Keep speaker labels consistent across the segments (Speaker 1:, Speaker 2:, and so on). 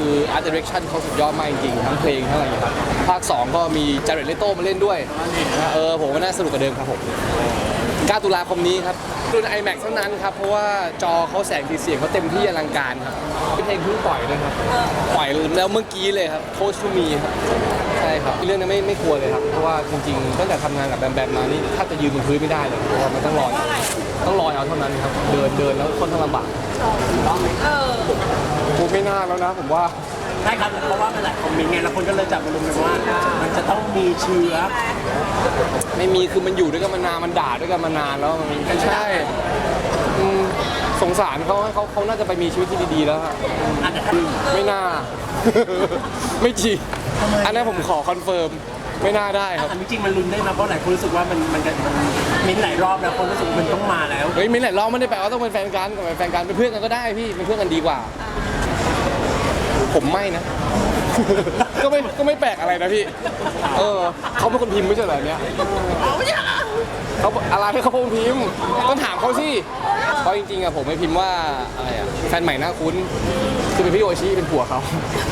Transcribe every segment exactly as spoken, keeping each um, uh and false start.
Speaker 1: คือ Art Direction เขาสุดยอดมากจริงๆทั้งเพลงทั้งอะไรอย่างเงี้ยครับภาคสองก็มีจาเรตเลโต้มาเล่นด้วยเออผมว่าน่าสนุกกว่าเดิมครับผมเก้าตุลาคมนี้ครับรุ่น ไอแม็กซ์ เท่านั้นครับเพราะว่าจอเขาแสงสีเสียงเขาเต็มที่อลังการครับเป็นเพลงเพิ่งปล่อยด้วยครับปล่อยแล้วเมื่อกี้เลยครับโคชทูมีครับใช่ครับเรื่องนี้ไม่ไม่กลัวเลยครับเพราะว่าจริงๆตั้งแต่ทำงานกับแบมแบมมานี่ถ้าจะยืนบนพื้นไม่ได้เลยเพราะว่ามันต้องลอยต้องลอยเอาเท่านั้นครับเดินเดินแล้วค่อนข้างลำบากเออผมไม่น่าแล้วนะผมว่า
Speaker 2: ใช่ครับเพราะว่าเป็นหลายคอมเมนต์ไงแล้วคนก็เลยจับมาลงกันว่ามันจะต้องมีเชื้อ
Speaker 1: ไม่มีคือมันอยู่ด้วยกันมานานมันด่าด้วยกันมานานแล้วมันไม่ใช่สงสารเขาเขาเขาน่าจะไปมีชีวิตที่ดีๆแล้วไม่น่าไม่จริงอันนี้ผมขอคอนเฟิร์มไม่น่าได้ครับ
Speaker 2: จริงๆมันลุ้นได้นะเพราะหลายคนรู้สึกว่ามันมันจะมิ้นหลายรอบแล้วคนรู้สึกมันต้องมาแล้ว
Speaker 1: เฮ้ยมิ้นหลายรอบไม่ได้แปลว่าต้องเป็นแฟนกันกับแฟนกันเป็นเพื่อนกันก็ได้พี่เป็นเพื่อนกันดีกว่าผมไม่นะก็ไม่ก็ไม่แปลกอะไรนะพี่เออเขาเป็นคนพิมพ์ไม่ใช่เหรอเนี่ยเขาอะไรให้เขาพิมพ์ต้องถามเขาสิเพราะจริงๆอะผมไม่พิมพ์ว่าอะไรอะแฟนใหม่น่าคุ้นคือเป็นพี่โอชิเป็นผัวเขา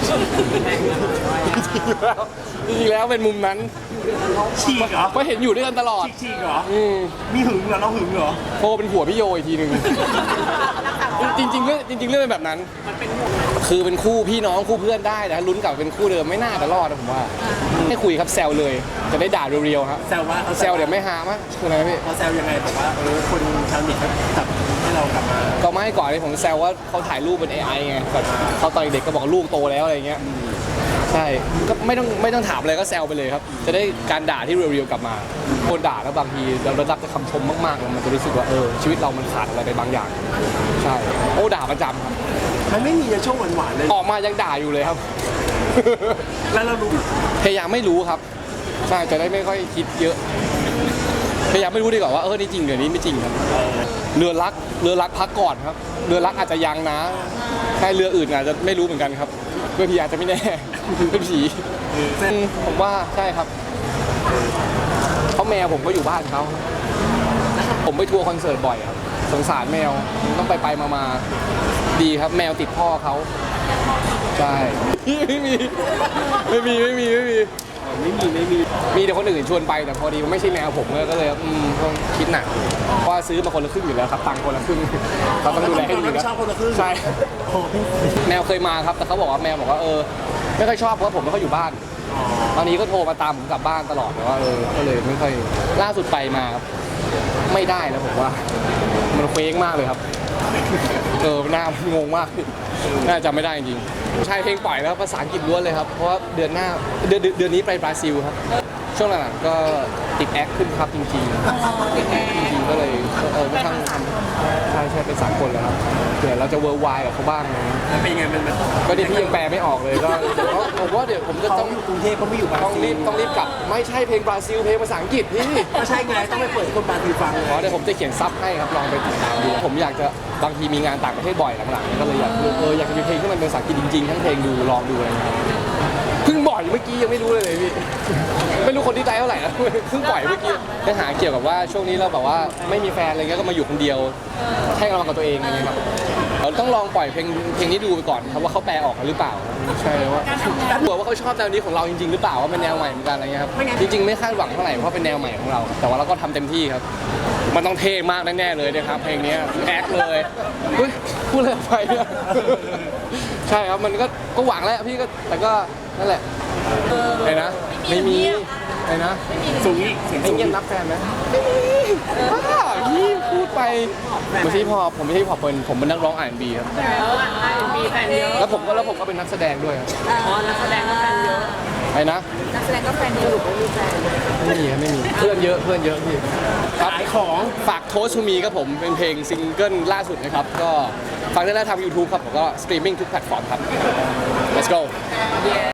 Speaker 1: จริงๆแล้วเป็นมุมนั้น
Speaker 2: ฉีกเหรอ
Speaker 1: เพราะเห็นอยู่ด้วยกันตลอด
Speaker 2: ฉีกเหรอมีหึงเหรอเราหึงเหรอ
Speaker 1: โทรเป็นผัวพี่โยอีกทีนึงจริงๆเรื่องจริงๆเรื่องเป็นแบบนั้นคือเป็นคู่พี่น้องคู่เพื่อนได้นะลุ้นกับเป็นคู่เดิมไม่น่าจะรอดนะผมว่าไม่คุยครับแซวเลยจะได้ด่าเรียวๆครับ
Speaker 2: แซวว่า
Speaker 1: แซวเดี๋ยวไม่หามั้ยคืออะไรพี่
Speaker 2: เขาแซวยังไงบอกว่าเออคนชาวเน็ตจับให้เรากลับมา
Speaker 1: ก็ไม่ก่อนเลยผมแซวว่าเขาถ่ายรูปเป็น เอ ไอ ไงแบบเขาตอนเด็กก็บอกลูกโตแล้วอะไรเงี้ยใช่ก็ไม่ต้องไม่ต้องถามอะไรก็แซวไปเลยครับจะได้การด่าที่เรียวๆกลับมาคนด่าแล้วบางทีเราได้รับแต่คำชมมากๆมันจะรู้สึกว่าเออชีวิตเรามันขาดอะไรไปบางอย่างใช่โอ้ด่าประจำครับ
Speaker 2: มันไม่มีในช่วงหวานๆเลย
Speaker 1: ออกมายังด่าอยู่เลยครับ
Speaker 2: แล้วเรารู้
Speaker 1: พยายามไม่รู้ครับใช่จะได้ไม่ค่อยคิดเยอะพยายามไม่รู้ดีกว่าว่าเออนี่จริงหรือนี้ไม่จริงครับเรือรักเรือรักพักก่อนครับเรือรักอาจจะยังนะแค่เรืออื่นอาจจะไม่รู้เหมือนกันครับเรือผีอาจจะไม่แน่เป็นผีผมว่าใช่ครับเขาแมวผมก็อยู่บ้านเขาผมไปทัวร์คอนเสิร์ตบ่อยครับสงสารแมวต้องไปไปมามาดีครับแมวติดพ่อเขาใช่ไม่มีไม่มีไม่มีไม่มี
Speaker 2: ไม่มีไม่มี
Speaker 1: มีแต่คนอื่นชวนไปแต่พอดีมันไม่ใช่แมวผมก็เลยอืมต้องคิดหนักเพราะซื้อมาคนละครึ่งอยู่แล้วครับตังคนละครึ่งเขาต้องดูแลให้ดีนะใช่แมวเคยมาครับแต่เขาบอกว่าแมวบอกว่าเออไม่ค่อยชอบเพราะผมไม่ค่อยอยู่บ้านตอนนี้ก็โทรมาตามผมกลับบ้านตลอดแต่ว่าเออก็เลยไม่ค่อยล่าสุดไปมาครับไม่ได้แล้วผมว่ามันเฟ้งมากเลยครับเออหน้ามันงงมากน่าจะไม่ได้จริงใช่เพลงปล่อยแล้วภาษาอังกฤษล้วนเลยครับเพราะว่าเดือนหน้าเดือนเดือนนี้ไปบราซิลครับช่วงหลังๆก็ติดแอคขึ้นครับจริงๆจริงๆก็เลยเออไม่ทั้งใช่ใช่เป็นสากลแล้วครับเดี๋ยวเราจะเวิร์ลไวด์กับเขาบ้างนะ
Speaker 2: เป็นยังไงมัน
Speaker 1: ก็เดี๋ยวพี่ยังแปลไม่ออกเลยก็เดี๋ยวผมว่าเดี๋ยวผมจะต้อง
Speaker 2: กรุงเทพก็ไม่อยู่
Speaker 1: ต้องรีบต้องรีบกลับไม่ใช่เพลงบราซิลเพลงภาษาอังกฤษพี่
Speaker 2: ก็ใช่ไงต้องไปเปิดคนบราซิลฟัง
Speaker 1: อ๋อเดี๋ยวผมจะเขียนซับให้ครับลองไปติดตามดูผมอยากจะบางทีมีงานต่างประเทศบ่อยหลังๆก็เลยอยากเอออยากจะมีเพลงที่มันเป็นภาษาอังกฤษจริงๆทั้งเพลงดูลองดูอะไรเงี้ยเพิ่งบ่อยเมื่อกี้ยังไม่รู้เลยเลยพี่ไม่รู้คนที่ใจเท่าไหร่นะเพิ่งปล่อยเมื่อกี้เนื้อหาเกี่ยวกับว่าช่วงนี้เราแบบว่าไม่มีแฟนอะไรเงี้ยก็มาอยู่คนเดียวให้กำลังกับตัวเองอะไรเงี้ยครับเราต้องลองปล่อยเพลงเพลงนี้ดูไปก่อนครับว่าเขาแปลออกหรือเปล่าใช่ว่าหัวว่าเขาชอบแนวนี้ของเราจริงๆหรือเปล่าว่าเป็นแนวใหม่เหมือนกันอะไรเงี้ยครับจริงๆไม่คาดหวังเท่าไหร่เพราะเป็นแนวใหม่ของเราแต่ว่าเราก็ทำเต็มที่ครับมันต้องเท่มากแน่ๆเลยนะครับเพลงนี้แอคเลยเฮ้ยพูดอะไรไปเนี่ยใช่ครับมันก็ก็หวังแล้วพี่ก็แต่ก็นั่นแหละไงนะไม่มีไงนะ
Speaker 2: สูงอีก
Speaker 1: ไอ้เงี้ยนับแฟนไหมไม่มีบ้าพี่พูดไปไม่ใช่พอผมไม่ใช่พอเป็นผมเป็นนักร้อง อาร์ แอนด์ บี ครับ
Speaker 3: อาร์ แอนด์ บี แฟนเยอะ
Speaker 1: แล้วผมก็แล้วผมก็เป็นนักแสดงด้วย
Speaker 3: อ๋อนักแสดงก็แฟนเยอะ
Speaker 1: ไอ้นะ
Speaker 3: นักแสดงก็แฟนเยอะไม่มีแฟน
Speaker 1: ไม่มีไม่มีเพื่อนเยอะเพื่อนเยอะพี่
Speaker 2: ขายของ
Speaker 1: ฝากโทสทูมีครับผมเป็นเพลงซิงเกิลล่าสุดนะครับก็ฟังได้แล้วทาง YouTube ครับผมก็สตรีมมิ่งทุกแพลตฟอร์มครับ let's go